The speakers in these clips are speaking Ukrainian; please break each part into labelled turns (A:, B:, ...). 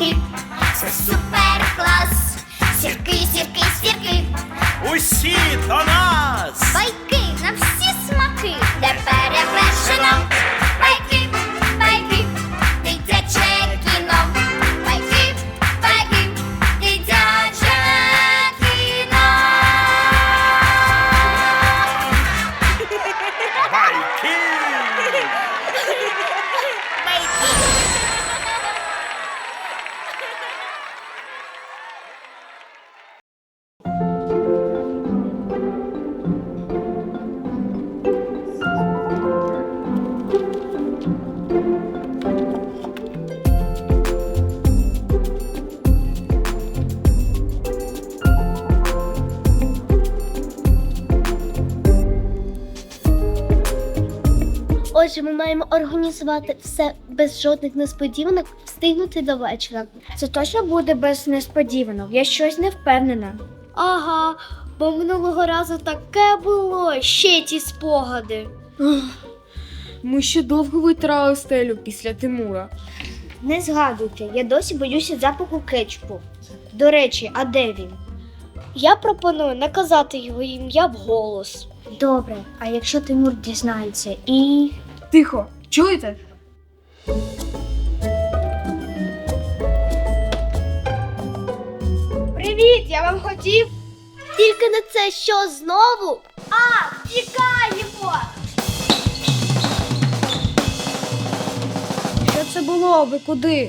A: сірки, це супер клас. Сірки, сірки, сірки,
B: Усі до нас!
A: байки на всі смаки, де перевершено. Байки, байки, дитяче кіно. Байки, байки, дитяче кіно.
B: Байки!
C: Отже, ми маємо організувати все без жодних несподіванок, встигнути до вечора.
D: Це точно буде без несподіванок. Я щось не впевнена.
C: Ага, бо минулого разу таке було, ще ті спогади.
E: Ми ще довго витирали стелю після Тимура.
D: Не згадуйте, я досі боюся запаху кетчупу. До речі, а де він?
C: Я пропоную не казати його ім'я вголос.
D: Добре, а якщо Тимур дізнається і...
E: Тихо, чуєте?
D: Привіт, я вам хотів...
C: Тільки не це що знову?
D: Тікаємо!
E: Що це було? Ви куди?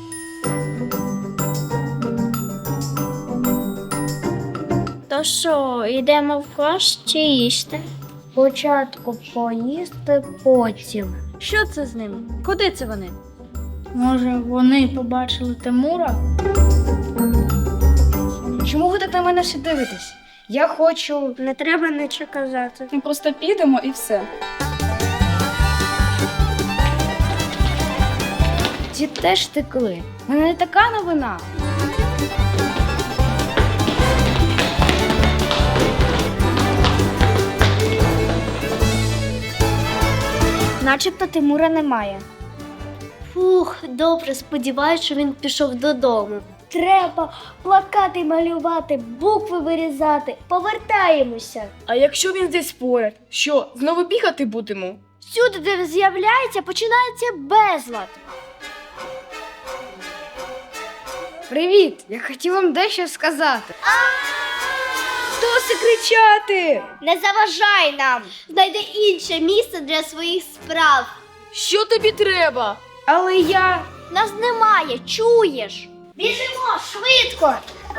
D: То що, йдемо в клас чи їсти? Спочатку поїсти, потім.
E: Що це з ними? Куди це вони?
D: Може, вони побачили Тимура?
E: Чому ви так на мене всі дивитесь? Я хочу...
D: Не треба нічого казати.
E: Ми просто підемо і все. Ті теж текли. У мене не така новина.
D: Начебто Тимура немає.
C: Фух, добре, сподіваюсь, що він пішов додому. Треба плакати малювати, букви вирізати. Повертаємося.
E: А якщо він десь поряд? Що, знову бігати будемо?
C: Всюди, де з'являється, починається безлад.
E: Привіт! Я хотів вам дещо сказати. Досить кричати!
C: Не заважай нам. Знайди інше місце для своїх справ.
E: Що тобі треба? Але я...
C: Нас немає, чуєш? Біжимо, швидко.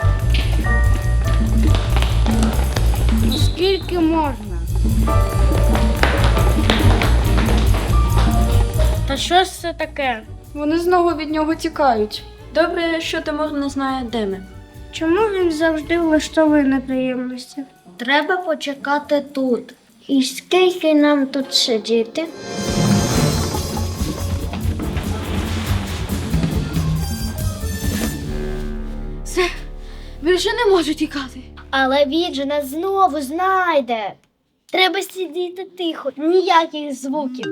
E: Скільки можна?
D: Та що ж це таке?
E: Вони знову від нього тікають. Добре, що Тимур не знає, де ми.
D: Чому він завжди влаштовує неприємності?
C: Треба почекати тут.
D: І скільки нам тут сидіти?
E: Все, більше не можу тікати.
C: Але він же нас знову знайде. Треба сидіти тихо, ніяких звуків.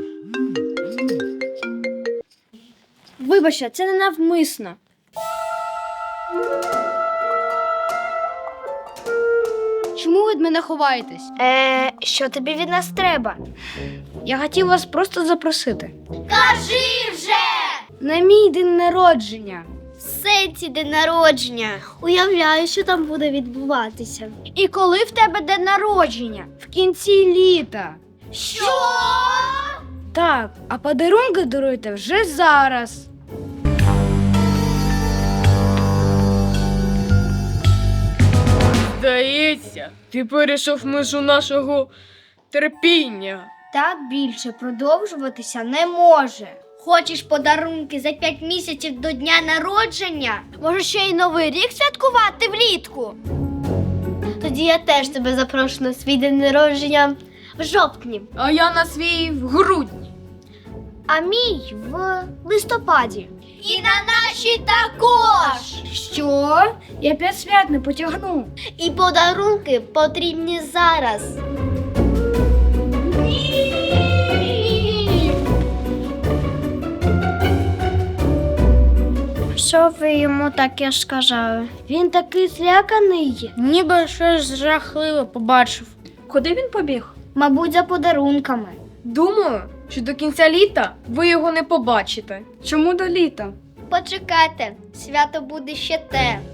E: Вибачте, це не навмисно. Чому ви від мене ховаєтесь?
D: Що тобі від нас треба?
E: Я хотів вас просто запросити.
C: Кажи вже!
E: На мій день народження.
C: В сенсі день народження. Уявляю, що там буде відбуватися.
E: І коли в тебе день народження? В кінці літа.
C: Що?
E: Так, а подарунки даруйте вже зараз. Здається, ти перейшов межу нашого терпіння.
D: Так більше продовжуватися не може.
C: Хочеш подарунки за 5 місяців до дня народження? Може, ще й Новий рік святкувати влітку? Тоді я теж тебе запрошу на свій день народження в жовтні,
E: А я на свій в грудні.
C: а мій в листопаді. І на наші також!
D: Що? Я 5 свят не потягну.
C: І подарунки потрібні зараз. що ви йому таке сказали?
D: Він такий зляканий.
C: Ніби щось жахливе побачив.
E: Куди він побіг?
D: Мабуть, за подарунками.
E: Думаю, що до кінця літа ви його не побачите. Чому до літа?
C: Почекайте, свято буде ще те.